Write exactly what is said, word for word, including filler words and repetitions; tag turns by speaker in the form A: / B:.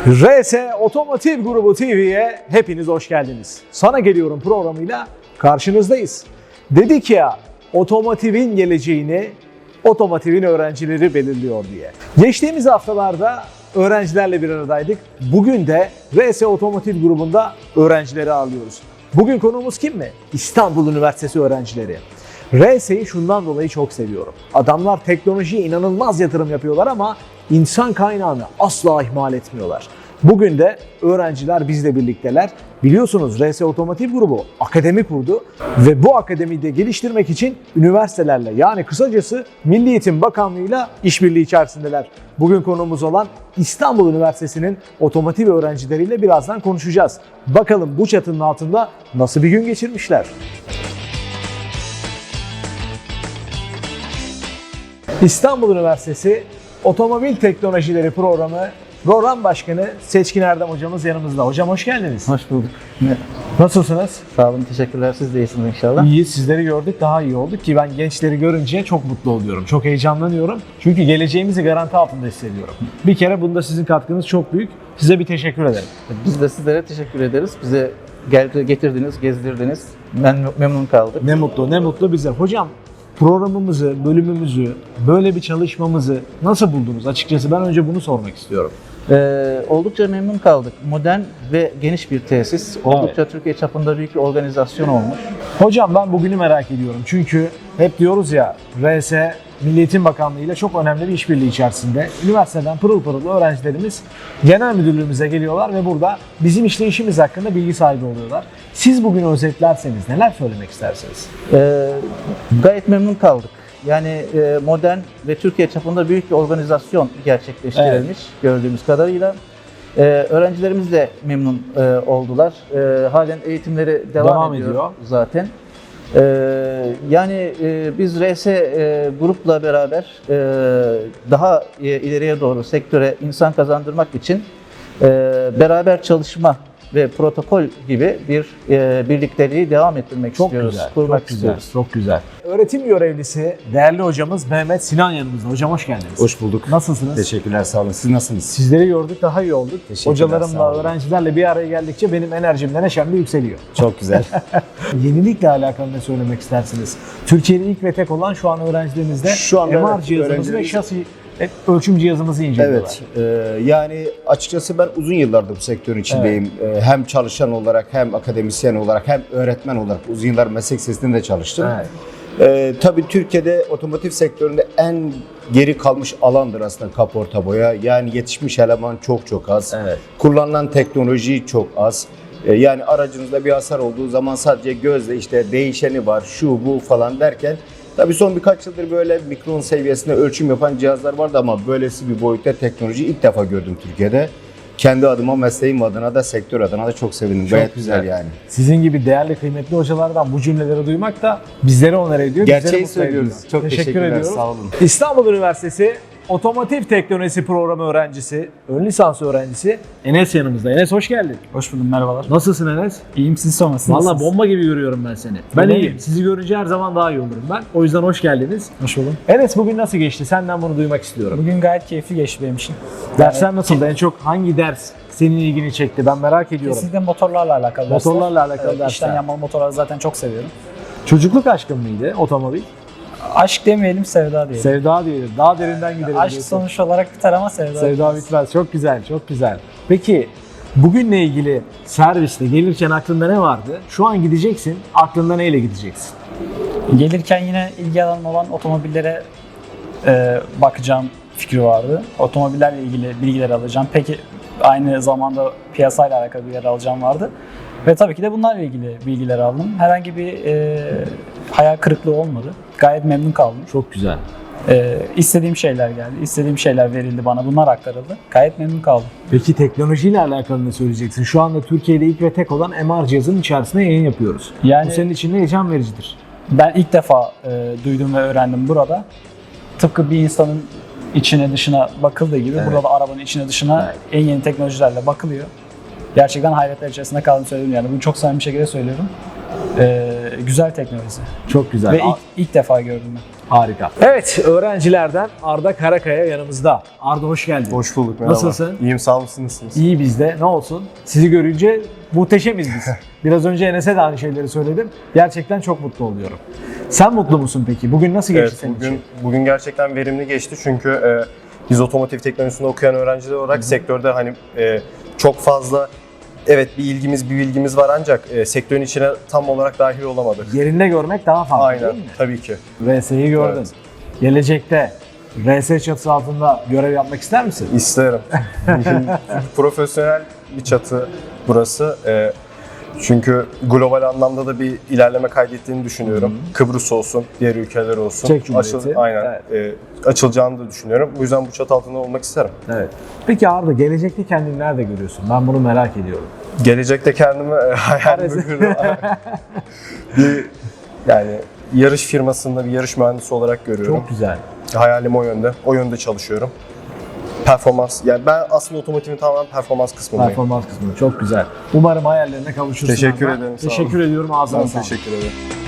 A: R S Otomotiv Grubu T V'ye hepiniz hoş geldiniz. Sana geliyorum programıyla karşınızdayız. Dedik ya, otomotivin geleceğini otomotivin öğrencileri belirliyor diye. Geçtiğimiz haftalarda öğrencilerle bir aradaydık. Bugün de R S Otomotiv Grubu'nda öğrencileri ağırlıyoruz. Bugün konuğumuz kim mi? İstanbul Üniversitesi öğrencileri. R S'yi şundan dolayı çok seviyorum. Adamlar teknolojiye inanılmaz yatırım yapıyorlar ama insan kaynağını asla ihmal etmiyorlar. Bugün de öğrenciler bizle birlikteler. Biliyorsunuz R S Otomotiv Grubu akademi kurdu ve bu akademiyi de geliştirmek için üniversitelerle, yani kısacası Milli Eğitim Bakanlığı'yla işbirliği içerisindeler. Bugün konuğumuz olan İstanbul Üniversitesi'nin otomotiv öğrencileriyle birazdan konuşacağız. Bakalım bu çatının altında nasıl bir gün geçirmişler? İstanbul Üniversitesi Otomobil Teknolojileri Programı Program Başkanı Seçkin Erdem hocamız yanımızda. Hocam hoş geldiniz.
B: Hoş bulduk.
A: Nasılsınız?
B: Sağ olun, teşekkürler. Siz de iyisiniz inşallah.
A: İyi, sizleri gördük, daha iyi olduk ki ben gençleri görünce çok mutlu oluyorum. Çok heyecanlanıyorum. Çünkü geleceğimizi garanti altında hissediyorum. Bir kere bunda sizin katkınız çok büyük. Size bir teşekkür ederim.
B: Biz de sizlere teşekkür ederiz. Bize geldi, getirdiniz, gezdirdiniz. Ben memnun kaldık.
A: Ne mutlu, ne mutlu bize. Hocam, programımızı, bölümümüzü, böyle bir çalışmamızı nasıl buldunuz? Açıkçası ben önce bunu sormak istiyorum.
B: Ee, oldukça memnun kaldık. Modern ve geniş bir tesis. Oldukça evet. Türkiye çapında büyük bir organizasyon olmuş.
A: Hocam ben bugünü merak ediyorum. Çünkü hep diyoruz ya, R S Milli Eğitim Bakanlığı ile çok önemli bir işbirliği içerisinde. Üniversiteden pırıl pırıl öğrencilerimiz genel müdürlüğümüze geliyorlar ve burada bizim işleyişimiz hakkında bilgi sahibi oluyorlar. Siz bugün özetlerseniz neler söylemek istersiniz?
B: Ee, gayet memnun kaldık. Yani e, modern ve Türkiye çapında büyük bir organizasyon gerçekleştirilmiş evet. gördüğümüz kadarıyla. Ee, öğrencilerimiz de memnun e, oldular. E, halen eğitimleri devam, devam ediyor, ediyor zaten. Ee, yani e, biz R S e, grupla beraber e, daha e, ileriye doğru sektöre insan kazandırmak için e, beraber çalışma ve protokol gibi bir e, birlikteliği devam ettirmek
A: çok
B: istiyoruz,
A: güzel,
B: kurmak
A: çok
B: istiyoruz.
A: Güzel, çok güzel. Öğretim görevlisi, değerli hocamız Mehmet Sinan yanımızda. Hocam hoş geldiniz.
C: Hoş bulduk.
A: Nasılsınız?
C: Teşekkürler, sağ olun. Siz nasılsınız?
A: Sizleri gördük, daha iyi olduk. Hocalarımla,
C: sağ olun.
A: öğrencilerle bir araya geldikçe benim enerjim de neşem de yükseliyor.
C: Çok güzel.
A: Yenilikle alakalı ne söylemek istersiniz? Türkiye'de ilk ve tek olan şu an öğrencilerimizde
C: Şu anda
A: M R
C: evet,
A: cihazımızı ve şasi ölçüm cihazımızı inceliyorlar.
C: Evet, e, yani açıkçası ben uzun yıllardır bu sektörün içindeyim. Evet. E, hem çalışan olarak, hem akademisyen olarak, hem öğretmen olarak uzun yıllar meslek lisesinde de çalıştım. Evet. E, tabii Türkiye'de otomotiv sektöründe en geri kalmış alandır aslında kaporta boya. Yani yetişmiş eleman çok çok az. Evet. Kullanılan teknoloji çok az. E, yani aracınızda bir hasar olduğu zaman sadece gözle işte değişeni var, şu bu falan derken tabii son birkaç yıldır böyle mikron seviyesinde ölçüm yapan cihazlar vardı ama böylesi bir boyutta teknoloji ilk defa gördüm Türkiye'de. Kendi adıma, mesleğim adına da, sektör adına da çok sevindim. Çok Gayet güzel. güzel yani.
A: Sizin gibi değerli, kıymetli hocalardan bu cümleleri duymak da bizleri onur ediyor.
C: Gerçeği söylüyoruz. Çok
A: teşekkür
C: teşekkürler,
A: ediyoruz.
C: sağ olun.
A: İstanbul Üniversitesi Otomotiv Teknolojisi Programı öğrencisi, ön lisans öğrencisi Enes yanımızda. Enes hoş geldin.
D: Hoş buldum, merhabalar.
A: Nasılsın Enes?
D: İyiyim, siz sormasınız.
A: Valla bomba gibi görüyorum ben seni. Ben iyiyim. iyiyim. Sizi görünce her zaman daha iyi olurum ben. O yüzden hoş geldiniz.
D: Hoş buldum.
A: Enes bugün nasıl geçti? Senden bunu duymak istiyorum.
D: Bugün gayet keyifli geçti benim için.
A: Dersler yani, nasıldı? En çok hangi ders senin ilgini çekti? Ben merak ediyorum.
D: Kesinlikle motorlarla alakalı dersler.
A: Motorlarla alakalı
D: evet,
A: dersler.
D: İçten yanmalı motorları zaten çok seviyorum.
A: Çocukluk aşkın mıydı otomobil?
D: Aşk demeyelim, sevda diyelim.
A: Sevda diyelim. Daha derinden gidelim.
D: Aşk
A: diyorsun.
D: sonuç olarak biter ama sevda
A: Sevda bitmez. bitmez. Çok güzel, çok güzel. Peki bugünle ilgili serviste gelirken aklında ne vardı? Şu an gideceksin, aklında neyle gideceksin?
D: Gelirken yine ilgi alanım olan otomobillere e, bakacağım fikri vardı. Otomobillerle ilgili bilgiler alacağım. Peki aynı zamanda piyasayla alakalı bilgiler alacağım vardı. Ve tabii ki de bunlarla ilgili bilgiler aldım. Herhangi bir e, hayal kırıklığı olmadı. Gayet memnun kaldım.
A: Çok güzel.
D: E, istediğim şeyler geldi. İstediğim şeyler verildi bana. Bunlar aktarıldı. Gayet memnun kaldım.
A: Peki teknolojiyle alakalı ne söyleyeceksin? Şu anda Türkiye'de ilk ve tek olan M R cihazının içerisinde yayın yapıyoruz. Yani, bu senin için de heyecan vericidir.
D: Ben ilk defa e, duydum ve öğrendim burada. Tıpkı bir insanın içine dışına bakıldığı gibi evet. burada da arabanın içine dışına evet. en yeni teknolojilerle bakılıyor. Gerçekten hayretler içerisinde kaldım söyledim yani. Bunu çok samimi bir şekilde söylüyorum. Ee, güzel teknoloji.
A: Çok güzel.
D: Ve ilk, ilk defa gördüm ben.
A: Harika. Evet, öğrencilerden Arda Karakaya yanımızda. Arda hoş geldin.
E: Hoş bulduk, merhaba.
A: Nasılsın?
E: İyiyim, sağ olun, siz nasılsınız?
A: İyi bizde. Ne olsun? Sizi görünce muhteşemiz biz. Biraz önce Enes'e de aynı şeyleri söyledim. Gerçekten çok mutlu oluyorum. Sen mutlu musun peki? Bugün nasıl geçti
E: Evet,
A: senin
E: bugün,
A: için?
E: bugün gerçekten verimli geçti çünkü e, biz otomotiv teknolojisinde okuyan öğrenciler olarak sektörde hani e, çok fazla evet bir ilgimiz, bir bilgimiz var ancak e, sektörün içine tam olarak dahil olamadık.
A: Yerinde görmek daha farklı
E: Aynen,
A: değil mi?
E: tabii ki.
A: R S'yi gördün.
E: Evet.
A: Gelecekte R S çatısı altında görev yapmak ister misin?
E: İsterim. Profesyonel bir çatı burası. E, çünkü global anlamda da bir ilerleme kaydettiğini düşünüyorum. Kıbrıs olsun, diğer ülkeler olsun.
A: Çek Cumhuriyeti.
E: aynen. E, açılacağını da düşünüyorum. Bu yüzden bu çatı altında olmak isterim.
A: Evet. Peki Arda, gelecekte kendini nerede görüyorsun? Ben bunu merak ediyorum.
E: Gelecekte kendimi e, hayalimi kurdum. bir yani yarış firmasında bir yarış mühendisi olarak görüyorum.
A: Çok güzel.
E: Hayalim o yönde. O yönde çalışıyorum. Performans. Yani ben aslında otomotivin tamamen performans kısmındayım.
A: Performans kısmı çok güzel. Umarım hayallerine kavuşursun.
E: Teşekkür
A: Arda.
E: ederim, sağ
A: Teşekkür
E: olun.
A: ediyorum. Ağzına
E: Ben
A: sağlık.
E: teşekkür ederim.